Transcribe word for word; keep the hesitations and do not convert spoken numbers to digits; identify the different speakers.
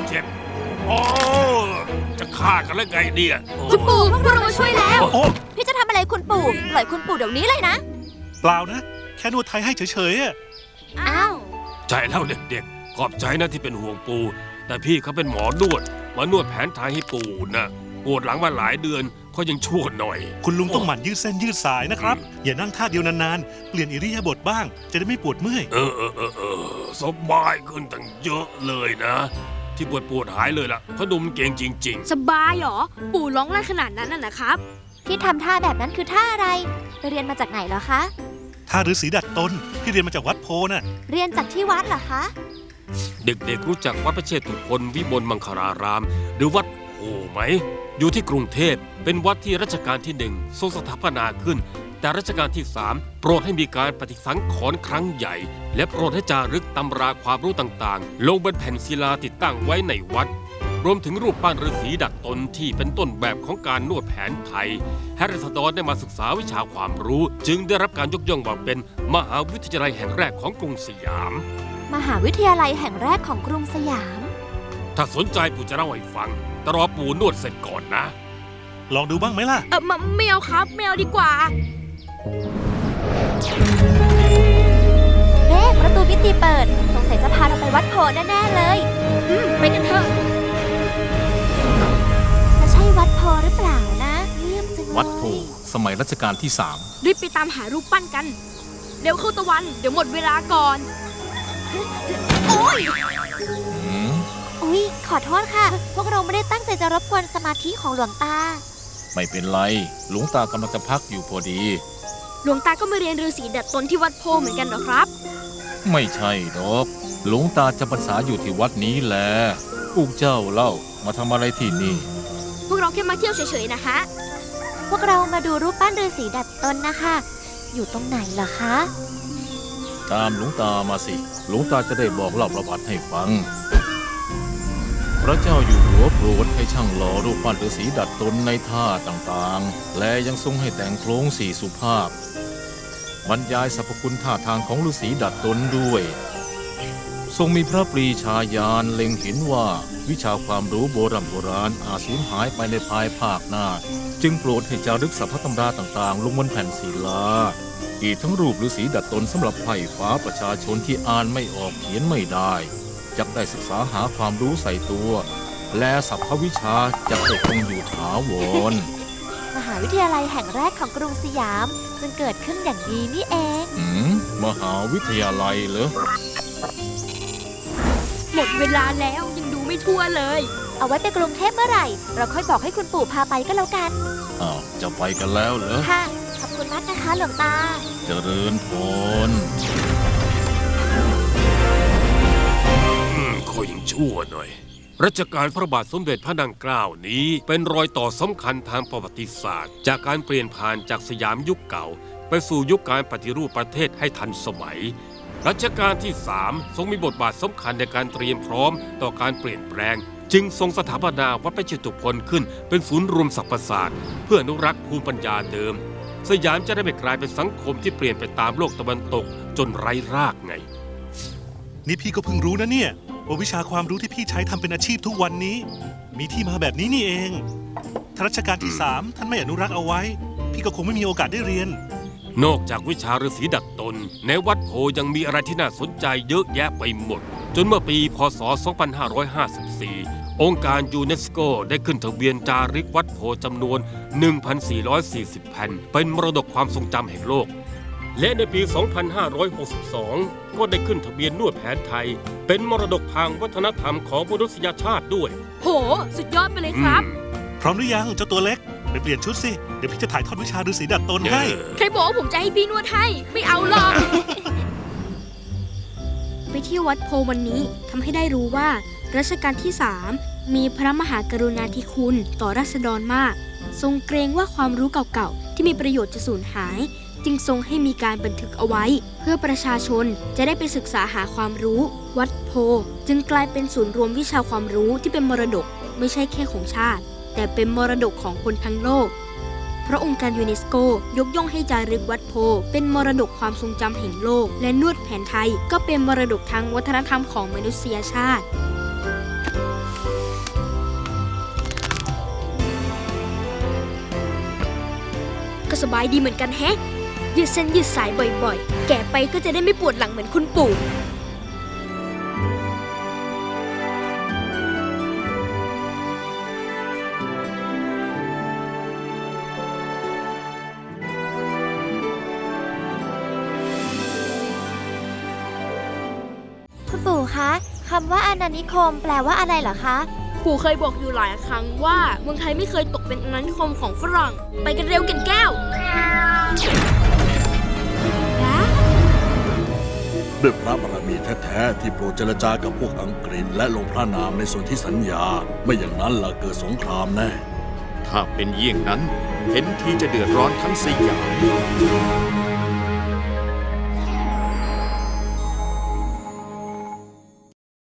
Speaker 1: เจ็บโอ้จะฆ่ากันแล้วไงเนี่ยโอ้
Speaker 2: คุณปู่พวกเรามาช่วยแล้ว
Speaker 3: โอ้
Speaker 2: พี่จะทำอะไรคุณปู่ปล่อยคุณปู่เดี๋ยวนี้เลยนะ
Speaker 3: เปล่านะ แค่นวดไทยให้เฉยๆอะ
Speaker 2: อ้าว
Speaker 1: ใจแล้วเด็กๆขอบใจนะที่เป็นห่วงปู่แต่พี่เขาเป็นหมอนวดมานวดแผนไทยให้ปู่นะปวดหลังมาหลายเดือนเขายังชั่วหน่อย
Speaker 3: คุณลุงต้องหมั่นยืดเส้นยืดสายนะครับ อย่านั่งท่าเดียวนานๆ เปลี่ยนอิริยาบถบ้าง จะได้ไม่ปวดเมื่อย
Speaker 1: เออเออเออเออสบายขึ้นตั้งเยอะเลยนะ ที่ปวดปวดหายเลยล่ะเพราะดุมเก่งจริง
Speaker 4: สบายเหรอ ปู่ร้องไห้ขนาดนั้นน่ะนะครับ
Speaker 2: ที่ทำท่าแบบนั้นคือท่าอะไร ไปเรียนมาจากไหนเหรอคะ
Speaker 3: ท่าฤาษีดัดตนพี่เรียนมาจากวัดโพน่ะ
Speaker 2: เรียนจากที่วัดเหรอคะ
Speaker 1: ๆ เด็กๆรู้จักวัดพระเชตุพนวิมลมังคลาราม หรือวัดโพไหม อยู่ที่กรุงเทพเป็นวัดที่รัชกาลที่หนึ่งทรงสถาปนาขึ้น แต่รัชกาลที่สามโปรดให้มีการปฏิสังขรณ์ครั้งใหญ่ และโปรดให้จารึกตำราความรู้ต่างๆ ลงบนแผ่นศิลาติดตั้งไว้ในวัด รวมถึงรูปปั้นฤาษีดัดตนที่เป็นต้นแบบของการนวดแผนไทยให้ราษฎรได้มาศึกษาวิชาความรู้ จึงได้รับการยกย่องว่าเป็นมหาวิทยาลัยแห่งแรกของกรุงสยาม
Speaker 2: มหาวิทยาลัยแห่งแรกของกรุงสยาม
Speaker 1: ถ้าสนใจปู่จะเล่าให้ฟังแต่รอปู่นวดเสร็จก่อนนะ
Speaker 3: ลองดูบ้างไหมล่ะ
Speaker 4: เออมไม่เอาครับไม่เอาดีกว่า
Speaker 2: เอ๊ะประตูมิติเปิด สงสัยจะพาเราไปวัดโพแน่ๆเลย
Speaker 4: อืมไปกันเถอะ
Speaker 2: จะใช่วัดโพหรือเปล่านะเยี่ยมจังเลย
Speaker 5: วัดโพสมัยรัชกาลที่สาม
Speaker 4: รีบไปตามหารูปปั้นกัน เร็วเข้าตะวัน เดี๋ยวหมดเวลาก่อน โอ้ย
Speaker 5: อืม
Speaker 2: อุ๊ย ขอโทษค่ะ พวกเราไม่ได้ตั้งใจจะรบกวนสมาธิของหลวงตา
Speaker 5: ไม่เป็นไร หลวงตากำลังจะพักอยู่พอดี
Speaker 4: หลวงตาก็มาเรียนฤาษีดัดตนที่วัดโพเหมือนกันเหรอครับ
Speaker 5: ไม่ใช่ดอก หลวงตาจำพรรษาอยู่ที่วัดนี้แหละพวกเจ้าเล่ามาทำอะไรที่นี่
Speaker 4: พวกเราแค่มาเที่ยวเฉยๆนะฮะ
Speaker 2: พวกเรามาดูรูปปั้นฤาษีดัดตนนะคะ อยู่ตรงไหนเหรอคะ
Speaker 5: ตามหลวงตามาสิ หลวงตาจะได้บอกเล่าประวัติให้ฟัง พระเจ้าอยู่หัวโปรดให้ช่างหล่อรูปปั้นฤาษีดัดตนในท่าต่างๆ และยังทรงให้แต่งโครงสี่สุภาพ บรรยายสรรพคุณท่าทางของฤาษีดัดตนด้วย ทรงมีพระปรีชาญาณเล็งเห็นว่าวิชาความรู้โบราณโบราณอาจสูญหายไปในภายภาคหน้า จึงโปรดให้จารึกสรรพตำราต่างๆ ลงบนแผ่นศิลา อีกทั้งรูปฤาษีดัดตนสำหรับไพร่ฟ้าประชาชนที่อ่านไม่ออกเขียนไม่ได้จะได้ศึกษาหาความรู้ใส่ตัว และสรรพวิชาจะได้คงอยู่ถาวร
Speaker 2: มหาวิทยาลัยแห่งแรกของกรุงสยามจึงเกิดขึ้นอย่างนี้นี่เอง
Speaker 5: อืมมหาวิทยาลัยเหรอ
Speaker 4: หมดเวลาแล้วยังดูไม่ทั่วเลย
Speaker 2: เอาไว้ไปกรุงเทพเมื่อไหร่ เราค่อยบอกให้คุณปู่พาไปก็แล้วกัน
Speaker 5: อ้าวจะไปกันแล้วเหรอ
Speaker 2: ค่ะ ขอบคุณมากนะคะหลวงตา
Speaker 5: เจริญพร
Speaker 1: อืมคอยยังชั่วหน่อย รัชกาลพระบาทสมเด็จพระนางเกล้านี้เป็นรอยต่อสำคัญทางประวัติศาสตร์ จากการเปลี่ยนผ่านจากสยามยุคเก่า ไปสู่ยุคการปฏิรูปประเทศให้ทันสมัย รัชกาลที่สามทรงมีบทบาทสำคัญในการเตรียมพร้อมต่อการเปลี่ยนแปลง จึงทรงสถาปนาวัดพระเชตุพนขึ้นเป็นศูนย์รวมสรรพศาสตร์เพื่ออนุรักษ์ภูมิปัญญาเดิม สยามจะได้ไม่กลายเป็นสังคมที่เปลี่ยนไปตามโลกตะวันตกจนไร้รากไง
Speaker 3: นี่พี่ก็เพิ่งรู้นะเนี่ยว่าวิชาความรู้ที่พี่ใช้ทำเป็นอาชีพทุกวันนี้ มีที่มาแบบนี้นี่เองถ้ารัชกาลที่สามท่านไม่อนุรักษ์เอาไว้ พี่ก็คงไม่มีโอกาสได้เรียน
Speaker 1: นอกจากวิชาฤาษีดัดตนในวัดโพยังมีอะไรที่น่าสนใจเยอะแยะไปหมด จนเมื่อปีพ.ศ. สองพันห้าร้อยห้าสิบสี่ องค์การยูเนสโกได้ขึ้นทะเบียนจารึกวัดโพจำนวน หนึ่งพันสี่ร้อยสี่สิบ แผ่นเป็นมรดกความทรงจำแห่งโลก และในปี สองพันห้าร้อยหกสิบสอง ก็ได้ขึ้นทะเบียนนวดแผนไทย เป็นมรดกทางวัฒนธรรมของมนุษยชาติด้วย
Speaker 4: โห สุดยอดไปเลยครับ
Speaker 1: อืม
Speaker 3: พร้อมหรือยังเจ้าตัวเล็กไปเปลี่ยนชุดสิเดี๋ยวพี่จะถ่ายทอดวิชาฤาษีดัดตนให้
Speaker 1: เออ
Speaker 4: ใครบอกว่าผมจะให้พี่นวดให้ ไม่เอาหรอก ไปเที่ยววัดโพวันนี้ทำให้ได้รู้ว่ารัชกาลที่สามมีพระมหากรุณาธิคุณต่อราษฎรมาก ทรงเกรงว่าความรู้เก่าๆที่มีประโยชน์จะสูญหาย จึงทรงให้มีการบันทึกเอาไว้ เพื่อประชาชนจะได้ไปศึกษาหาความรู้ วัดโพจึงกลายเป็นศูนย์รวมวิชาความรู้ที่เป็นมรดกไม่ใช่แค่ของชาติ แต่เป็นมรดกของคนทั้งโลก เพราะองค์การยูเนสโกยกย่องให้จารึกวัดโพเป็นมรดกความทรงจำแห่งโลก และนวดแผนไทยก็เป็นมรดกทางวัฒนธรรมของมนุษยชาติสบายดีเหมือนกันแฮะ ยืดเส้นยืดสายบ่อยๆ แก่ไปก็จะได้ไม่ปวดหลังเหมือนคุณปู่
Speaker 2: คุณปู่คะคำว่าอาณานิคมแปลว่าอะไรเหรอคะ
Speaker 4: ปู่เคยบอกอยู่หลายครั้งว่าเมืองไทยไม่เคยตกเป็นอาณานิคมของฝรั่ง ไปกันเร็วเก่นแก้ว
Speaker 6: ด้วยพระบารมีแท้ๆที่โปรดเจรจากับพวกอังกฤษและลงพระนามในส่วนที่สัญญา ไม่อย่างนั้นล่ะเกิดสงครามแน่
Speaker 7: ถ้าเป็นเยี่ยงนั้น เห็นทีจะเดือดร้อนทั้งสยาม